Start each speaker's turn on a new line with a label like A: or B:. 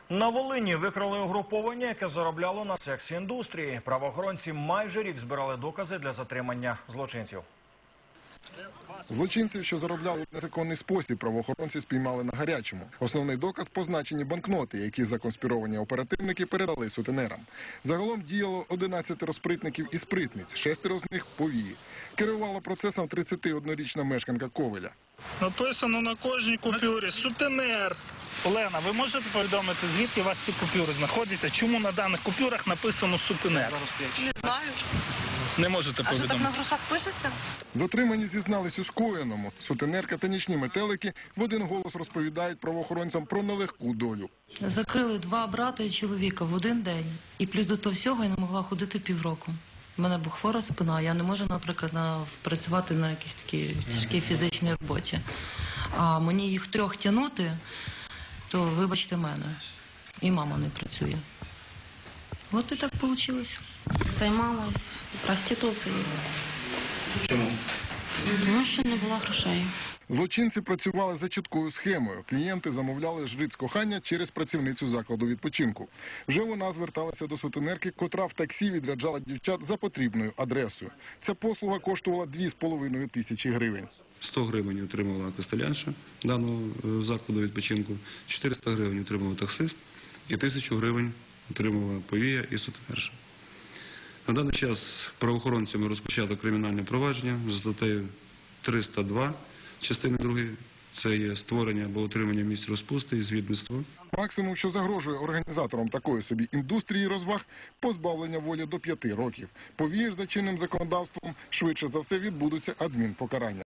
A: На Волині викрали угруповання, яке заробляло на секс-індустрії. Правоохоронці майже рік збирали докази для затримання злочинців.
B: Злочинців, що заробляли в незаконний спосіб, правоохоронці спіймали на гарячому. Основний доказ – позначені банкноти, які законспіровані оперативники передали сутенерам. Загалом діяло 11 спритників і спритниць, 6 з них – повії. Керувала процесом 31-річна мешканка Ковеля.
C: Написано на кожній купюрі «Сутенер». Олена, ви можете повідомити, звідки у вас ці купюри знаходяться? Чому на даних купюрах написано «Сутенер»?
D: Не знаю.
C: Не можете
D: А що
C: повідомити?
D: так на грошах пишеться?
B: Затримані зізнались у скоєному. Сутенерка та нічні метелики в один голос розповідають правоохоронцям про нелегку долю.
E: Закрили 2 брата і чоловіка в один день. І плюс до того всього я не могла ходити півроку. У мене була хвора спина, я не можу, наприклад, працювати на якійсь такій тяжкій фізичній роботі. А мені їх 3 тягнути, то вибачте мене. І мама не працює. От і так вийшло.
F: Займалась проституцією.
G: Чому?
F: Тому що не було грошей.
B: Злочинці працювали за чіткою схемою. Клієнти замовляли жриць кохання через працівницю закладу відпочинку. Вже вона зверталася до сутенерки, котра в таксі відряджала дівчат за потрібною адресою. Ця послуга коштувала 2,5 тисячі гривень.
G: 100 гривень отримувала костелянша даного закладу відпочинку, 400 гривень отримував таксист і 1000 гривень отримувала повія і сутенерша. На даний час правоохоронцями розпочато кримінальне провадження за статтею 302 частини 2. Це є створення або утримання місць розпусти і звідництво.
B: Максимум, що загрожує організаторам такої собі індустрії розваг – позбавлення волі до 5 років. Повір, за чинним законодавством, швидше за все відбудуться адмінпокарання.